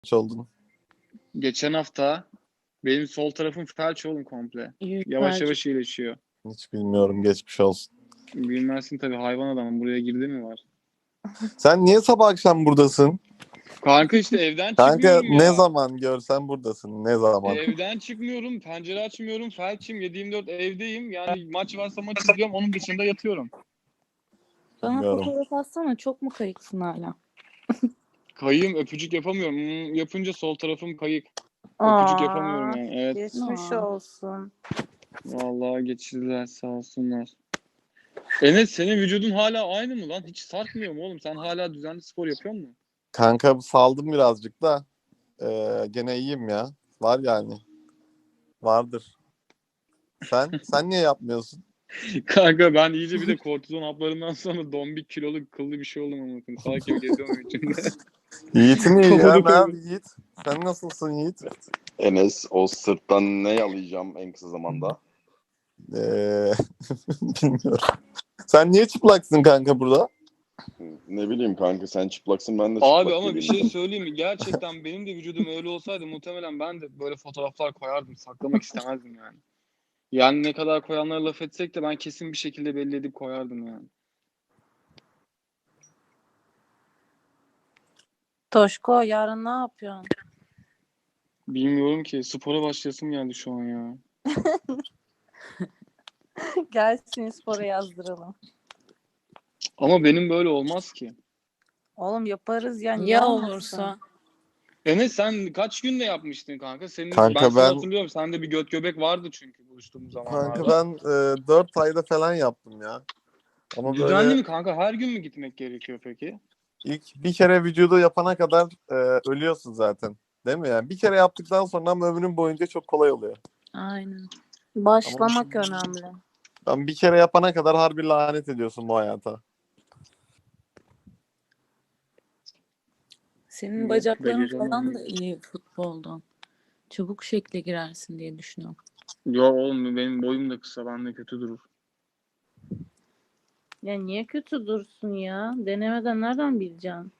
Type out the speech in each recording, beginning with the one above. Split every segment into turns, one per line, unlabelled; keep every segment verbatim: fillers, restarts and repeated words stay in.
oldun?
Geçen hafta benim sol tarafım felç oğlum komple.
Yük
Yavaş
felç.
yavaş iyileşiyor.
Hiç bilmiyorum. Geçmiş olsun.
Bilmezsin tabii, hayvan adamım. Buraya girdi mi var?
Sen niye sabah akşam buradasın?
Kanka işte evden
Kanka
çıkmıyorum ya.
ne zaman görsen buradasın. Ne zaman?
Evden çıkmıyorum, pencere açmıyorum, felçim, yedi yirmi dört evdeyim. Yani maç varsa maç izliyorum, onun dışında yatıyorum.
Bana
Bilmiyorum.
fotoğraf atsana, çok mu kayıksın hala?
Kayığım, öpücük yapamıyorum. Hmm, yapınca sol tarafım kayık.
Aa,
Öpücük yapamıyorum yani. Evet.
Geçmiş
Aa.
olsun.
Vallahi geçirdiler, sağ olsunlar. Enes, senin vücudun hala aynı mı lan? Hiç sarkmıyor mu oğlum? Sen hala düzenli spor yapıyor musun?
Kanka saldım birazcık da. Ee, gene iyiyim ya. Var yani. Vardır. Sen sen niye yapmıyorsun?
Kanka ben iyice bir de kortizon haplarından sonra dombik kilolu kıllı bir şey oldum ama. Salak gibi geziyorum içinde.
Yiğit'in iyi ya.
Kafada
Ne abi Yiğit? Sen nasılsın Yiğit?
Enes, o sırttan ne yalayacağım en kısa zamanda?
Ee, bilmiyorum. Sen niye çıplaksın kanka burada?
Ne bileyim kanka, sen çıplaksın, ben de çıplak
Abi ama bir
geleyim.
şey söyleyeyim mi? Gerçekten benim de vücudum öyle olsaydı muhtemelen ben de böyle fotoğraflar koyardım. Saklamak istemezdim yani. Yani ne kadar koyanlara laf etsek de ben kesin bir şekilde belli edip koyardım yani.
Toşko yarın ne yapıyorsun?
Bilmiyorum ki. Spora başlayasım geldi şu an ya.
Gel seni spora yazdıralım.
Ama benim böyle olmaz ki.
Oğlum yaparız ya. niye
Ya
olmasın?
olursa?
Enes, sen kaç günde yapmıştın kanka? Senin,
Kanka
ben seni
ben-
hatırlıyorum. Sende bir göt göbek vardı çünkü buluştuğumuz zamanlarda.
Kanka ben e, dört ayda falan yaptım ya. Ama
Düzenli
böyle
mi kanka? Her gün mü gitmek gerekiyor peki?
ilk bir kere vücudu yapana kadar e, ölüyorsun zaten. Değil mi yani? Bir kere yaptıktan sonra ama ömrün boyunca çok kolay oluyor.
Aynen.
Başlamak önemli.
Ben bir kere yapana kadar harbi lanet ediyorsun bu hayata.
Senin
Yok,
bacakların
beceremem.
falan da iyi futboldan. Çabuk şekle girersin diye düşünüyorum.
Yok oğlum, benim boyum da kısa. Bende kötü durur.
Ya niye kötü dursun ya? Denemeden nereden bileceksin?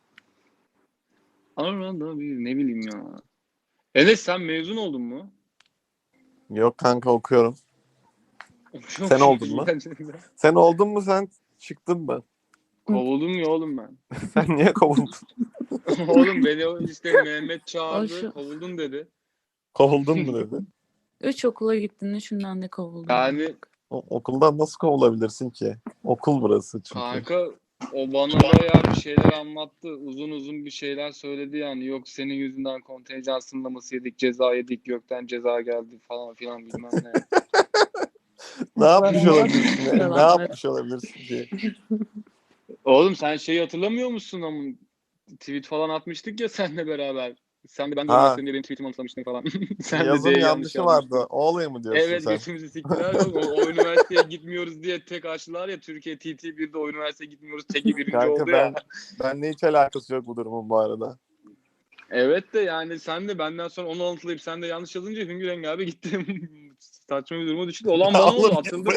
Arada bir ne bileyim ya. Enes, sen mezun oldun mu?
Yok kanka okuyorum. Sen oldun mu? Sen oldun mu sen çıktın mı?
Kovuldum ya oğlum ben.
Sen niye kovuldun?
Oğlum beni o işte Mehmet çağırdı.
Şu-
Kovuldun dedi.
Kovuldun mu dedi.
Üç okula gittin, üçünden de kovuldun.
Yani
O, okuldan nasıl kovulabilirsin ki? Okul burası çünkü.
kanka o bana bayağı bir şeyler anlattı. Uzun uzun bir şeyler söyledi yani. Yok senin yüzünden kontenjan sınırlaması yedik, ceza yedik, gökten ceza geldi falan filan bilmem ne.
Ne yapmış
Yalan-
olabilirsin? Ne, ne
Yalanlar.
yapmış olabilirsin ki?
Oğlum sen şeyi hatırlamıyor musun ama tweet falan atmıştık ya seninle beraber. Sen de ben de
Ha.
üniversitede benim tweetimi anımsamıştın falan. Sen
Yazın
de D'yi
yanlışı
yazmıştın.
vardı. O olayı mı diyorsun
Evet,
sen?
götümüzü siktiler. o, o üniversiteye gitmiyoruz diye tek açtılar ya. Türkiye T T bir'de o üniversiteye gitmiyoruz. Teki birinci
Kanka
oldu
ben
ya.
benle hiç alakası yok bu durumun bu arada.
Evet de yani sen de benden sonra onu alıntılayıp sen de yanlış yazınca Hüngür Rengi abi gitti. Saçma bir duruma düştü. Olan bana oldu.
Oğlum,
Atıldım.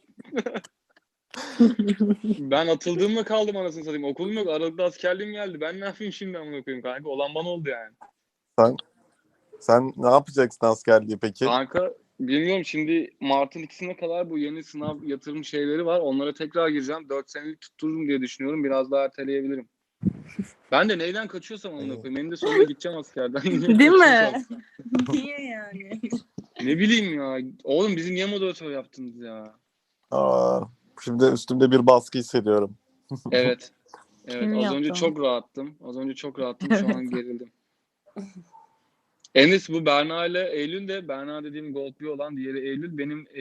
Ben atıldığımla kaldım anasını satayım. Okulum yok. Aralıkta askerliğim geldi. Ben ne yapayım şimdi amına koyayım kanka. Olan bana oldu yani.
Sen sen ne yapacaksın askerliği peki?
Kanka bilmiyorum, şimdi Mart'ın ikisine kadar bu yeni sınav yatırım şeyleri var. Onlara tekrar gireceğim. dört senelik tuttururum diye düşünüyorum. Biraz daha erteleyebilirim. Ben de neyden kaçıyorsam amına koyayım. Benim de sonunda gideceğim askerden.
Değil mi? Niye yani?
Ne bileyim ya. Oğlum bizi niye moderatör yaptınız ya?
Aa, şimdi üstümde bir baskı hissediyorum.
Evet. Evet.
Kim
Az
yaptı
önce
onu?
çok rahattım. Az önce çok rahattım. Şu an gerildim. Enes, bu Berna ile Eylül de, Berna dediğim Gold bir olan, diğeri Eylül, benim e,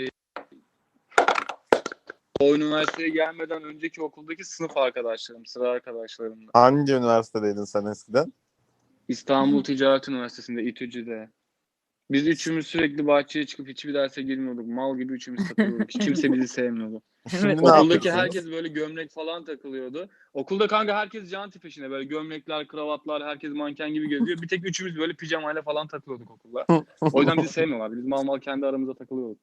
o üniversiteye gelmeden önceki okuldaki sınıf arkadaşlarım, sıra arkadaşlarım.
Hangi üniversitedeydin sen eskiden?
İstanbul Ticaret Üniversitesi'nde, İTÜCÜ'de. Biz üçümüz sürekli bahçeye çıkıp hiçbir derse girmiyorduk. Mal gibi üçümüz takılıyorduk. Hiç kimse bizi sevmiyordu.
Şimdi ne
Okuldaki
yapıyorsunuz?
herkes böyle gömlek falan takılıyordu. Okulda kanka herkes janti peşinde. Böyle gömlekler, kravatlar, herkes manken gibi geziyor. Bir tek üçümüz böyle pijamayla falan takılıyorduk okulda. O yüzden bizi sevmiyorlardı. Biz mal mal kendi aramızda takılıyorduk.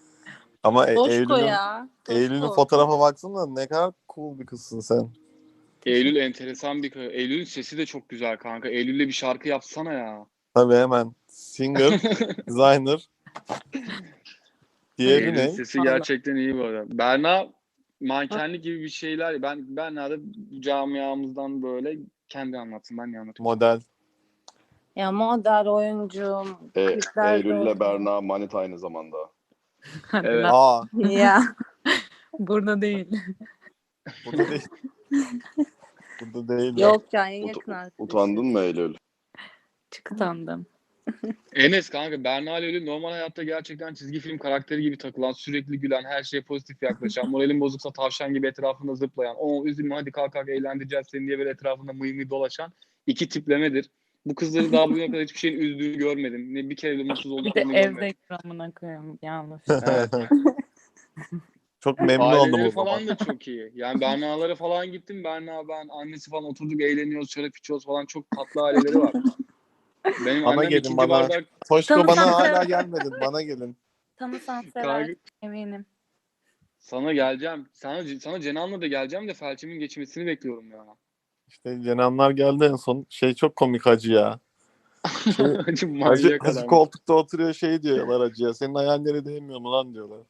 Ama e-
Toşko
Eylül'ün
ya. Toşko.
Eylül'ün fotoğrafa baksana ne kadar cool bir kızsın sen.
Eylül enteresan bir kız. Eylül'ün sesi de çok güzel kanka. Eylül'le bir şarkı yapsana ya.
Tabii hemen. Singer, designer. Diğeri
Eylül'ün
ne?
sesi
Vallahi.
gerçekten iyi bu arada. Berna mankenlik gibi bir şeyler. Ben Berna da camiamızdan böyle kendi anlatsın. Ben ne anlatayım?
Model.
Ya model oyuncu,
E,
kliplerde
Eylül'le
oynuyor.
Berna manita aynı zamanda.
Hadi
Evet.
lan.
Aa,
Ya
Burada değil.
burada değil. Burada değil.
yok ya en
Ut-
yakın arkadaşım.
utandın mı Eylül?
Çıkıtandım.
Enes kanka Berna ile Eylül normal hayatta gerçekten çizgi film karakteri gibi takılan, sürekli gülen, her şeye pozitif yaklaşan, moralin bozuksa tavşan gibi etrafında zıplayan, o üzülme hadi kalk kalk eğlendireceğiz seni diye böyle etrafında mıy mıy dolaşan iki tiplemedir. Bu kızları daha bugüne kadar hiçbir şeyin üzdüğünü görmedim. Ne bir kere de mutsuz
Bir de
olduklarını
evde
görmedim.
ekranına koyayım. Yanlış.
Evet.
Çok memnun oldum
Aileleri
o zaman.
falan da çok iyi. Yani Berna'lara falan gittim. Berna ben annesi falan oturduk eğleniyoruz, şarap içiyoruz falan. Çok tatlı aileleri var. Benim
Bana
annem
gelin,
ikinci
bana.
bardak
Toşko
Tanısam
bana hala
sever.
gelmedin. Bana gelin.
Tanısan sever.
kanka
Eminim.
sana geleceğim. Sana, sana Cenan'la da geleceğim de felçimin geçmesini bekliyorum ya.
İşte Cenanlar geldi en son. Şey çok komik hacı ya. Şey,
Hacı
hacı,
manyak
hacı
adam.
koltukta oturuyor şey diyorlar hacıya. Senin hayalleri değmiyor mu lan diyorlar.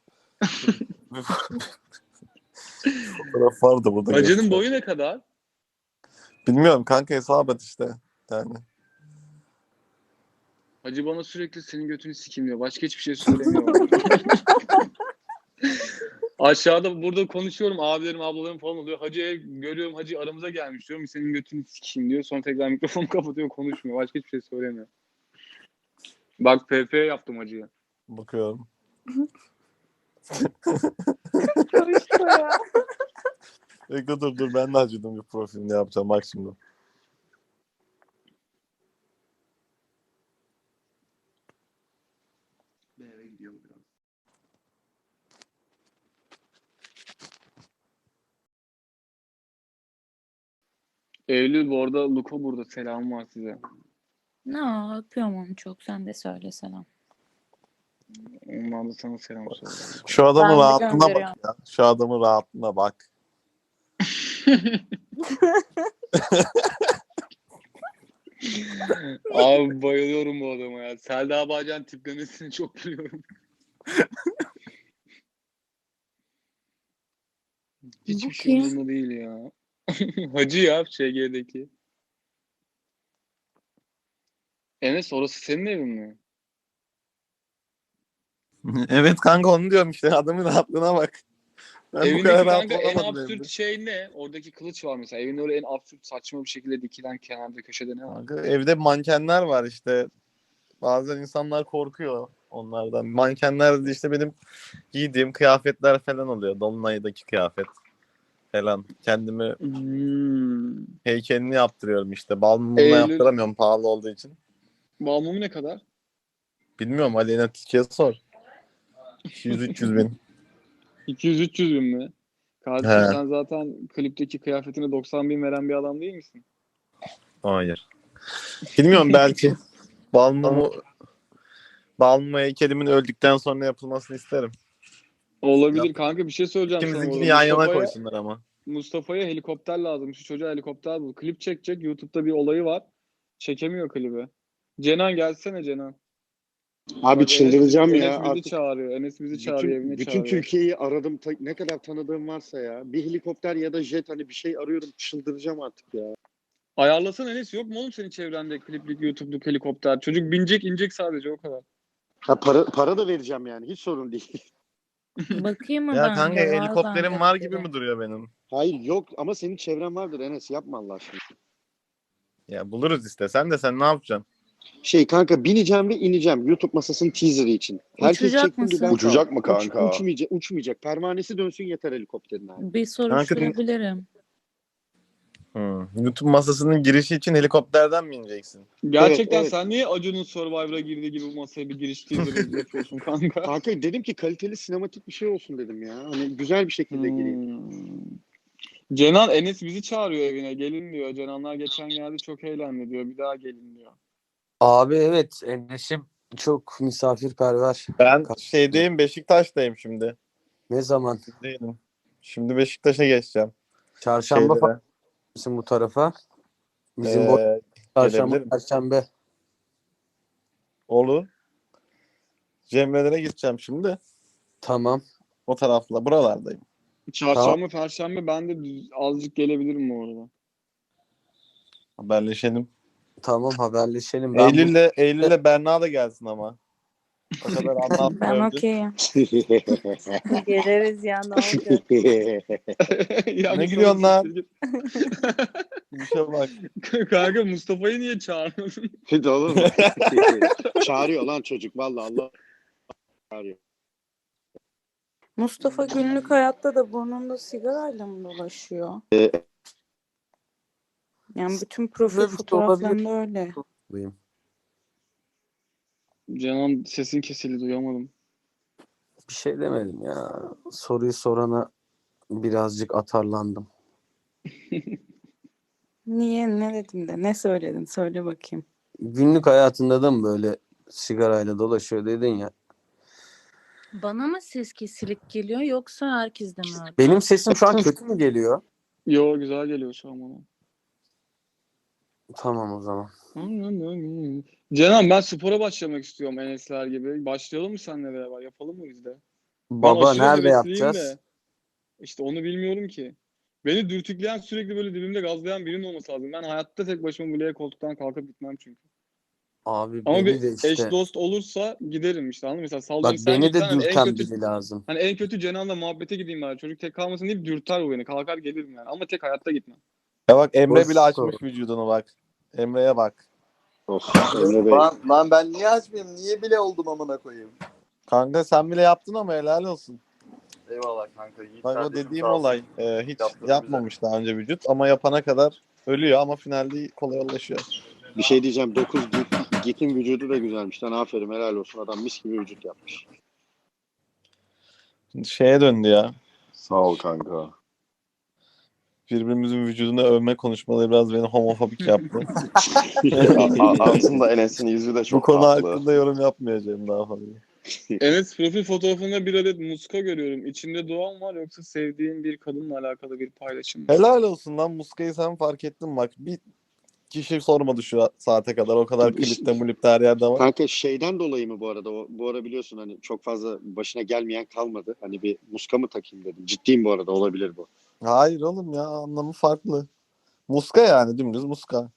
Fotoğraf vardı burada.
Hacı'nın
göster.
boyu ne kadar?
Bilmiyorum kanka hesap et işte. Yani.
Hacı bana sürekli senin götünü sikim diyor. Başka hiçbir şey söylemiyor. Aşağıda burada konuşuyorum. Abilerim, ablalarım falan oluyor. Hacı'ya görüyorum. Hacı aramıza gelmiş diyorum. Senin götünü sikeyim diyor. Sonra tekrar mikrofonu kapatıyor, konuşmuyor. Başka hiçbir şey söylemiyor. Bak P P yaptım Hacı'ya.
Bakıyorum.
Karıştı ya.
Bekle dur dur ben de hacıdım bir profilini yapacağım bak şimdi.
Eve gidiyorum biraz. Eylül bu arada Luko burada. Selam var size.
Ne öpüyorum onu çok. Sen de söyle selam.
Onlar da sana selam söylüyor.
Şu adamın
Ben de
rahatlığına bak
gönderiyorum.
ya. Şu adamın rahatlığına bak.
Abi bayılıyorum bu adama ya. Selda Bağcan tiplemesini çok gülüyorum. Hiçbir şey
kim?
umurumda değil ya. Hacı ya Ş G'deki. Enes orası senin evin mi?
Evet kanka onu diyorum işte adamın rahatlığına bak. Ben bu
Evindeki
kadar rahat
kanka en
olamadım
absürt
evde.
şey ne? Oradaki kılıç var mesela. Evinde öyle en absürt saçma bir şekilde dikilen kenarda köşede ne var?
Kanka, evde mankenler var işte. Bazen insanlar korkuyor onlardan. Mankenler de işte benim giydiğim kıyafetler falan oluyor. Dolunay'daki kıyafet falan. Kendimi
Hmm.
heykelini yaptırıyorum işte. Bal mumuna
Eylül-
yaptıramıyorum pahalı olduğu için.
Balmumu ne kadar?
Bilmiyorum Aleyna Tilki'ye sor. iki yüz üç yüz bin.
iki yüz üç yüz bin mi? Kardeşim
He.
sen zaten klipteki kıyafetine doksan bin veren bir adam değil misin?
Hayır. Bilmiyorum belki. Bal mumu Bal mumu heykelimin öldükten sonra yapılmasını isterim.
Olabilir
Yap.
kanka bir şey söyleyeceğim sana
İkimizinkini
burada.
yan yana
Mustafa'ya,
koysunlar ama.
Mustafa'ya helikopter lazım. Şu çocuğa helikopter bul. Klip çekecek. YouTube'da bir olayı var. Çekemiyor klibi. Cenan gelsene Cenan.
Abi
Bak,
çıldıracağım
Enes,
ya.
Enes bizi
Artık
çağırıyor. Enes bizi çağırıyor.
bütün,
Evine
bütün
çağırıyor.
Türkiye'yi aradım. Ta- ne kadar tanıdığım varsa ya. Bir helikopter ya da jet hani bir şey arıyorum. Çıldıracağım artık ya.
Ayarlasana Enes. Yok mu oğlum senin çevrende kliplik, YouTube'luk helikopter? Çocuk binecek inecek sadece o kadar.
Ha, para, para da vereceğim yani. Hiç sorun değil.
Bakayım mı
Ya
ben
kanka
de? Var
helikopterim
bende
var
biri.
gibi mi duruyor benim?
Hayır yok ama senin çevren vardır Enes. Yapma Allah aşkına.
Ya buluruz işte. Sen de sen ne yapacaksın?
Şey kanka bineceğim ve ineceğim. YouTube masasının teaserı için. Herkes
Uçacak
çektim bir
mısın?
ben
Uçacak
kaldım.
mı kanka?
Uç, uçmayacak, uçmayacak. Pervanesi dönsün yeter helikopterin abi.
Bir soruşturabilirim.
Hmm. YouTube masasının girişi için helikopterden mi ineceksin?
Gerçekten
Evet, evet.
sen niye Acun'un Survivor'a girdiği gibi bu masaya bir giriş teaser yapıyorsun kanka?
Kanka dedim ki kaliteli sinematik bir şey olsun dedim ya. Hani güzel bir şekilde gireyim.
Hmm. Cenan Enes bizi çağırıyor evine. Gelin diyor. Cenanlar geçen geldi çok eğlendi diyor. Bir daha gelin diyor.
Abi evet Enes'im çok misafirperver.
Ben şeydeyim Beşiktaş'tayım şimdi.
Ne zaman?
Değilim. Şimdi Beşiktaş'a geçeceğim.
Çarşamba falan.
Şeylere.
misin bu tarafa? Bizim bu
Ee,
çarşamba,
gelebilirim.
perşembe.
Olur. Cemre'lere gideceğim şimdi.
Tamam.
O tarafla. Buralardayım.
Çarşamba, perşembe ben de düz- azıcık gelebilirim bu arada.
Haberleşelim.
Tamam haberleşelim. Ben bu-
Eylül'le Eylül'le Berna da gelsin ama. O kadar
Ben
anlatmıyoruz.
okeyim.
Geliriz ya ne olacak?
Ya
Ne
Mustafa
gülüyorsun lan?
siktir git.
Bir şey bak.
Kanka Mustafa'yı niye çağırmadın?
Bir de oğlum. Çağırıyor lan çocuk vallahi Allah çağırıyor.
Mustafa günlük hayatta da burnunda sigarayla mı dolaşıyor? Yani bütün profil
Böyle bir şey
fotoğraflarında öyle.
Buyum.
Canan sesin kesildi duyamadım.
Bir şey demedim ya. Soruyu sorana birazcık atarlandım.
Niye? Ne dedim de? Ne söyledin? Söyle bakayım.
Günlük hayatında da mı böyle sigarayla dolaşıyor dedin ya.
Bana mı ses kesilik geliyor yoksa herkeste mi öyle?
Benim sesim şu an kötü mü geliyor?
Yo güzel geliyor şu an bana.
Tamam o zaman.
Canan ben spora başlamak istiyorum Enesler gibi. Başlayalım mı seninle beraber? Yapalım mı biz de? Ben
Baba
aşırı
nerede
hevesliyim
yapacağız?
de. İşte onu bilmiyorum ki. Beni dürtükleyen sürekli böyle dibimde gazlayan birinin olması lazım. Ben hayatta tek başıma bile koltuktan kalkıp gitmem çünkü.
Abi
Ama
beni
bir
de işte.
eş dost olursa giderim işte anladın mı? Mesela
Bak
sallıyorum sen
beni de
gitsen hani en
dürten
kötü
biri lazım.
hani en kötü Cenan'la muhabbete gideyim bari. Çocuk tek kalmasın deyip dürter bu beni. Kalkar gelirim yani. Ama tek hayatta gitmem.
Ya bak Emre bile
Boş
açmış vücudunu bak. Emre'ye bak.
Of Emre Bey.
Lan, lan ben niye açmayayım? Niye bile oldum amına koyayım?
Kanka sen bile yaptın ama helal olsun.
Eyvallah kanka. Yiğit
Bak o
kardeşim
dediğim
sağ olsun.
olay e, hiç
Yaptırdı
yapmamış daha önce vücut ama yapana kadar ölüyor ama finalde kolaylaşıyor.
Bir şey diyeceğim. dokuz git, Git'in vücudu da güzelmiş lan. Aferin helal olsun. Adam mis gibi vücut yapmış.
Şimdi şeye döndü ya.
Sağ ol kanka.
Birbirimizin vücudunu övme konuşmaları biraz beni homofobik yaptı.
A- a- aslında Enes'in yüzü de
Bu
çok
konu
tatlı.
hakkında yorum yapmayacağım daha fazla.
Enes profil fotoğrafında bir adet muska görüyorum. İçinde doğan var yoksa sevdiğin bir kadınla alakalı bir paylaşım mı?
Helal olsun lan muskayı sen fark ettin bak. Bir kişi sormadı şu saate kadar. O kadar klipte mulipte her yerde var.
Kanka şeyden dolayı mı bu arada? O, bu ara biliyorsun hani çok fazla başına gelmeyen kalmadı. Hani bir muska mı takayım dedim. Ciddiyim bu arada olabilir bu.
Hayır oğlum ya anlamı farklı. Muska yani dümdüz muska.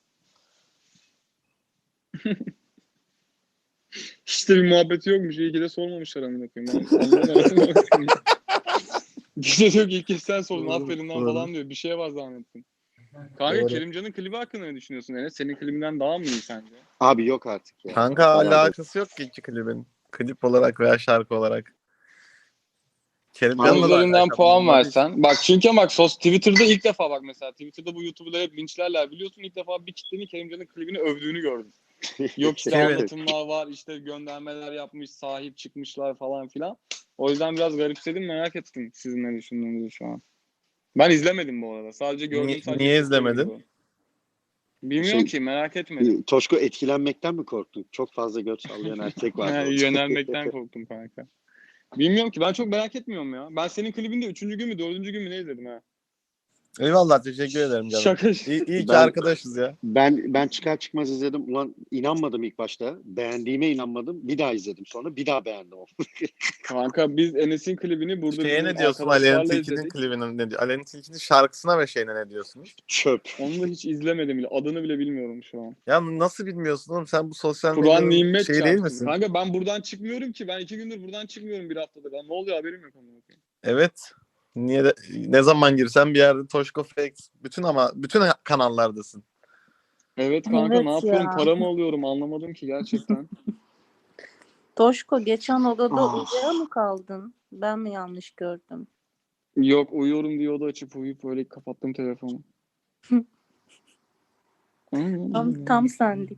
İşte bir muhabbeti yokmuş. İyi ki de sormamışlar amına koyayım. Ben anlamadım. Gece diyor ki ilk kez sen sordun aferin lan falan diyor. Bir şeye var zannettim. Kanka
Doğru.
Kerimcan'ın klibi hakkında ne düşünüyorsun Enes? Senin klibinden daha mı iyi sence?
Abi yok artık ya.
Kanka
Vallahi
alakası yok ki iki klibin. Klip olarak veya şarkı olarak.
Onun
Kerimcan'la da
üzerinden
alakalı
puan
olmadığı
versen. Bak çünkü bak sos Twitter'da ilk defa bak mesela. Twitter'da bu YouTuber'ları hep linçlerler. Biliyorsun ilk defa bir kitlenin Kerimcan'ın klibini övdüğünü gördüm. Yok işte
Evet.
anlatımlar var, işte göndermeler yapmış, sahip çıkmışlar falan filan. O yüzden biraz garipsedim, merak ettim sizin ne düşündüğünüzü şu an. Ben izlemedim bu arada. Sadece gördüm.
Niye-
sadece
niye
TikTok'ta
izlemedin?
video. Bilmiyorum
Şey-
ki, merak etmedim.
Toşko etkilenmekten mi korktun? Çok fazla göt sallayan erkek var.
Yani yönelmekten korktum kanka. Bilmiyorum ki, ben çok merak etmiyorum ya. Ben senin klibinde üçüncü gün mü, dördüncü gün mü ne izledim ha?
Eyvallah teşekkür ederim canım.
Şaka.
İyi, iyi ki
Ben-
arkadaşız ya.
Ben ben çıkar çıkmaz izledim. Ulan inanmadım ilk başta. Beğendiğime inanmadım. Bir daha izledim sonra. Bir daha beğendim.
Kanka biz Enes'in klibini burada
Şeye
bizim
ne diyorsun Aleyna
arkadaşlarla
Tilki'nin
izledik.
klibinin ne diyor? Aleyna Tilki'nin şarkısına ve şeyine ne diyorsunuz?
Çöp.
Onu da hiç izlemedim bile. Adını bile bilmiyorum şu an.
Ya nasıl bilmiyorsun oğlum sen bu sosyal
Kur'an
medyanın
nimet
şeyi değil
çarpsın.
misin?
Kanka ben buradan çıkmıyorum ki. Ben iki gündür buradan çıkmıyorum bir haftadır. Ben ne oluyor haberim yok. Amına koyayım.
Evet. Niye de, ne zaman girsen bir yerde Toşko Facts bütün ama bütün kanallardasın.
Evet kanka
Evet
ne yapıyorum?
ya.
Para mı alıyorum? Anlamadım ki gerçekten.
Toşko geçen odada
Ah.
uyuya mı kaldın? Ben mi yanlış gördüm?
Yok uyuyorum diye oda açıp uyuyup böyle kapattım telefonu.
Tam, tam sendik.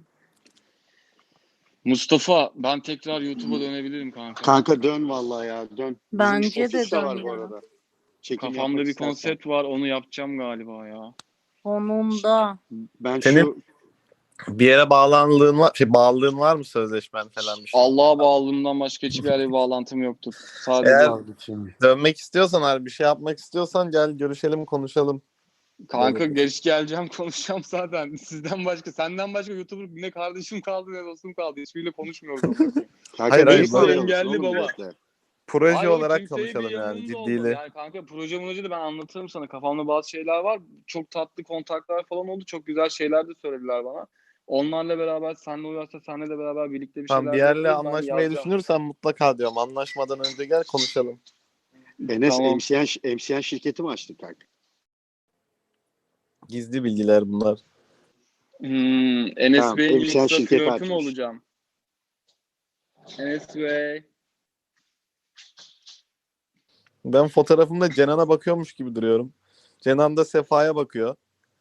Mustafa ben tekrar YouTube'a dönebilirim kanka.
Kanka dön vallahi ya dön. Bizim
Bence de
ofis
dön
var bu
ya.
arada. Çekim
Kafamda
yapmak
bir
istersen.
konsept var onu yapacağım galiba ya.
Sonunda.
Ben
Senin-
şu
Bir yere bağlanlığın var, şey bağlılığın var mı sözleşmen falan bir şey?
Allah'a bağlılığımdan başka hiçbir yere bir bağlantım yoktur. Sadece
Eğer-
Abi şimdi.
Dönmek istiyorsan abi bir şey yapmak istiyorsan gel görüşelim konuşalım.
Kanka
Evet.
geç geleceğim konuşacağım zaten. Sizden başka, senden başka YouTuber ne kardeşim kaldı ne dostum kaldı. Hiçbiriyle konuşmuyoruz amına koyayım.
Kanka
Hayır, hayır,
hepsi
bu-
engelli baba.
Proje
Hayır oğlum,
olarak
kimseyi bir
konuşalım yani
yanımda olmadı.
ciddiyle.
Yani kanka proje proje de ben anlatırım sana. Kafamda bazı şeyler var. Çok tatlı kontaklar falan oldu. Çok güzel şeyler de söylediler bana. Onlarla beraber senle uyarsa senle de beraber birlikte bir
Tamam,
şeyler
bir
de
yerle
yaparız. Ben
anlaşmayı
yazacağım.
düşünürsen mutlaka diyorum. Anlaşmadan önce gel konuşalım.
Enes
Tamam.
M C N, M C N şirketi mi açtık kanka?
Gizli bilgiler bunlar.
Hmm, Enes
Tamam,
Bey'in
M C N
Insta
şirketi
flörtü mü
açmış.
olacağım? Enes Bey.
Ben fotoğrafımda Cenan'a bakıyormuş gibi duruyorum. Cenan da Sefa'ya bakıyor.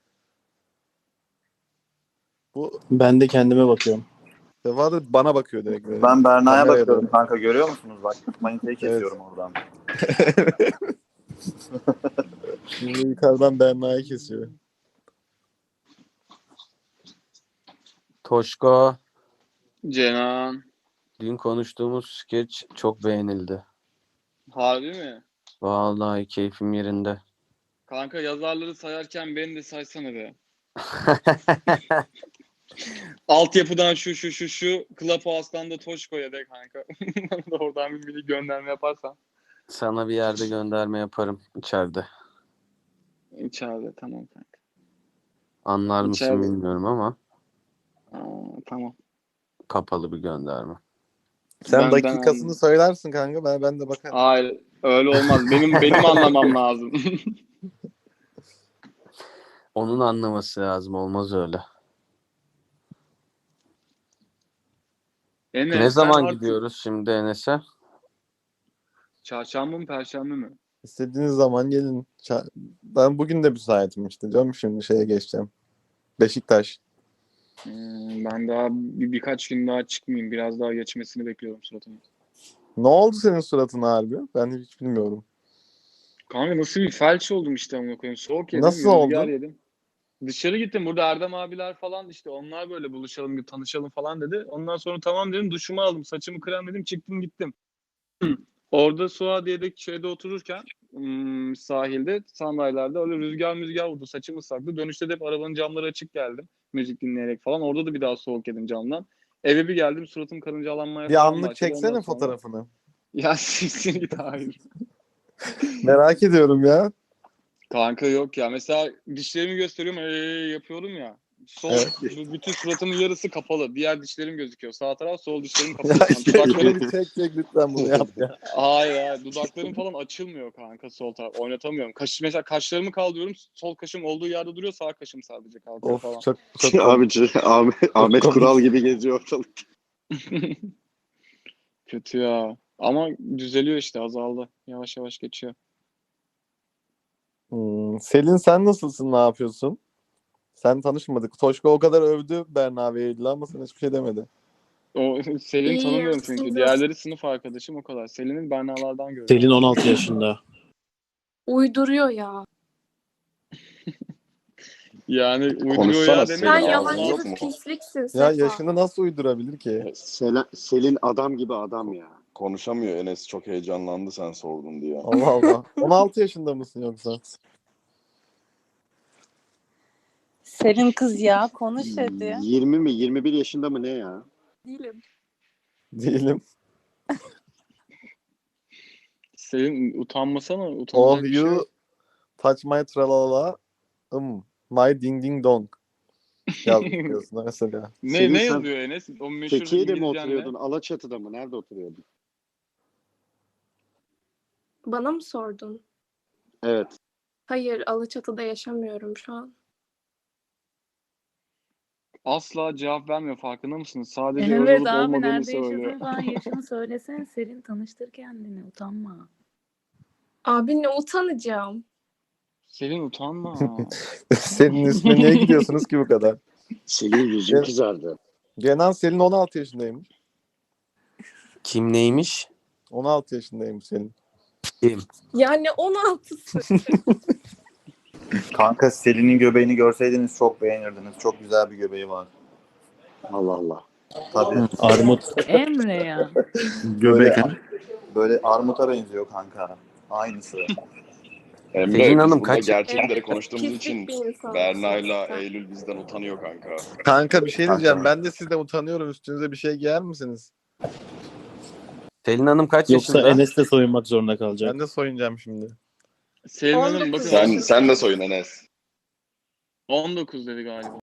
Bu
Ben de kendime bakıyorum.
Sefa da bana bakıyor direkt böyle.
Ben Berna'ya
Kameraya
bakıyorum
doğru.
kanka, görüyor musunuz? Bak manitayı
Evet.
kesiyorum oradan.
Şimdi yukarıdan Berna'yı kesiyor.
Toşko,
Cenan.
dün konuştuğumuz skeç çok beğenildi.
Harbi mi?
Vallahi keyfim yerinde.
Kanka yazarları sayarken beni de saysana be. Altyapıdan şu şu şu şu Clubhouse'dan da Toşko'ya de kanka. Bana da oradan bir mini gönderme yaparsan.
Sana bir yerde gönderme yaparım içeride.
İçeride tamam kanka.
Anlar mısın
İçeride.
bilmiyorum ama
Aa, tamam.
kapalı bir gönderme.
Sen
Ben- ben
dakikasını
anladım.
söylersin kanka. Ben ben de bakarım.
Hayır öyle olmaz. Benim benim anlamam lazım.
Onun anlaması lazım. Olmaz öyle.
Enes,
Ne
sen
zaman
artık
gidiyoruz şimdi Enes'e?
Çarşamba mı perşembe mi?
İstediğiniz zaman gelin. Ça- Ben bugün de müsaitim işte. Canım şimdi şeye geçeceğim. Beşiktaş.
Hmm, ben daha bir, birkaç gün daha çıkmayayım. Biraz daha geçmesini bekliyorum suratımın.
Ne oldu senin suratına harbi? Ben hiç bilmiyorum.
Kanka nasıl bir felç oldum işte amına koyayım. Soğuk yedim,
Nasıl
rüzgar
oldu?
yedim. Dışarı gittim. Burada Erdem abiler falan işte onlar böyle buluşalım, bir tanışalım falan dedi. Ondan sonra tamam dedim, duşumu aldım, saçımı kremledim, çıktım gittim. Orada Suadiye'deki şeyde otururken hmm, sahilde sandalyelerde öyle rüzgar müzgar vurdu. Saçım ıslaktı. Dönüşte de hep arabanın camları açık geldim. Müzik dinleyerek falan. Orada da bir daha soğuk yedim camdan. Eve bir geldim, suratım karıncalanmaya
Bir
falan
anlık
başladı. Ondan
çeksene
sonra
fotoğrafını.
ya siktir git, hayır.
Merak ediyorum ya.
Kanka yok ya. Mesela dişlerimi gösteriyorum, ee, yapıyorum ya. Sol
Evet.
bu- bütün suratımın yarısı kapalı. Diğer dişlerim gözüküyor. Sağ taraf, sol dişlerim
Ya
kapalı. Yani dudaklarım
çek, çek çek lütfen bunu yap ya.
hayır hayır. Dudaklarım falan açılmıyor kanka sol taraf. Oynatamıyorum. Kaş, mesela kaşlarımı kaldırıyorum. Sol kaşım olduğu yerde duruyor. Sağ kaşım sadece kalkıyor falan.
Of çok çok komik.
Abi Ahmet, Ahmet
komik.
Kural gibi geziyor ortalık.
Kötü ya. Ama düzeliyor işte, azaldı. Yavaş yavaş geçiyor.
Hmm, Selin sen nasılsın? Ne yapıyorsun? Sen tanışmadık. Toşko o kadar övdü Berna ve Eylül'ü ama sen hiçbir şey demedi.
O Selin'i
İyiyim,
tanımıyorum
siz
çünkü.
nasılsınız?
Diğerleri sınıf arkadaşım, o kadar. Selin'in Berna'lardan gördüm.
Selin on altı yaşında.
Uyduruyor ya.
Yani uyduruyor
Konuşsana
ya
Selin,
Sen
demeyin ya.
ağzın
yalancı
yok
Allah.
bir
mu?
pisliksin
Ya
Sefa.
yaşını nasıl uydurabilir ki?
Selin, Selin adam gibi adam ya.
Konuşamıyor, Enes çok heyecanlandı sen sordun diye.
Allah Allah. on altı yaşında mısın yoksa?
Selin kız ya konuş hadi.
yirmi mi yirmi bir yaşında mı ne ya?
Değilim.
Değilim.
Selin utanmasana.
Oh
Utanacak bir şey
you
yok.
touch my tralala. Um, my ding ding dong. Yazıyorsun mesela.
Ne
Selin
ne
sen
yazıyor Enes? O meşhur
Fethiye'de mi
İngilizcen
oturuyordun?
ne?
Alaçatı'da mı? Nerede oturuyordun?
Bana mı sordun?
Evet.
Hayır, Alaçatı'da yaşamıyorum şu an.
Asla cevap vermiyor, farkında mısınız? Sadece öyle
Evet
olup
abi,
olmadığını
nerede
söylüyor.
yaşadığını falan yaşını söylesene Selin, tanıştır kendini, utanma.
Abi ne utanacağım.
Selin utanma.
Senin üstüne niye gidiyorsunuz ki bu kadar?
Selin yüzün
Evet.
kızardı.
Kenan Selin on altı yaşındaymış.
Kim neymiş?
on altı yaşındaymış Selin.
Kim?
Yani on altısı.
Kanka Selin'in göbeğini görseydiniz çok beğenirdiniz. Çok güzel bir göbeği var.
Allah Allah.
Tabii.
Armut.
Emre ya.
Böyle, böyle armuta benziyor kanka. Aynısı.
Emre
Pelin
biz
Hanım
burada
kaç-
gerçekleri
Evet,
konuştuğumuz
pislik
için
bir insansın
Berna'yla
sen.
Eylül bizden utanıyor kanka.
Kanka bir şey diyeceğim.
Kanka.
Ben de sizden utanıyorum. Üstünüze bir şey giyer misiniz?
Pelin Hanım kaç
Yoksa
yaşında?
Enes de soyunmak zorunda kalacak.
Ben de soyunacağım şimdi.
Selin Hanım
on dokuz
bakın
Sen
yaşındayım.
sen de soyun Enes.
on dokuz dedi galiba.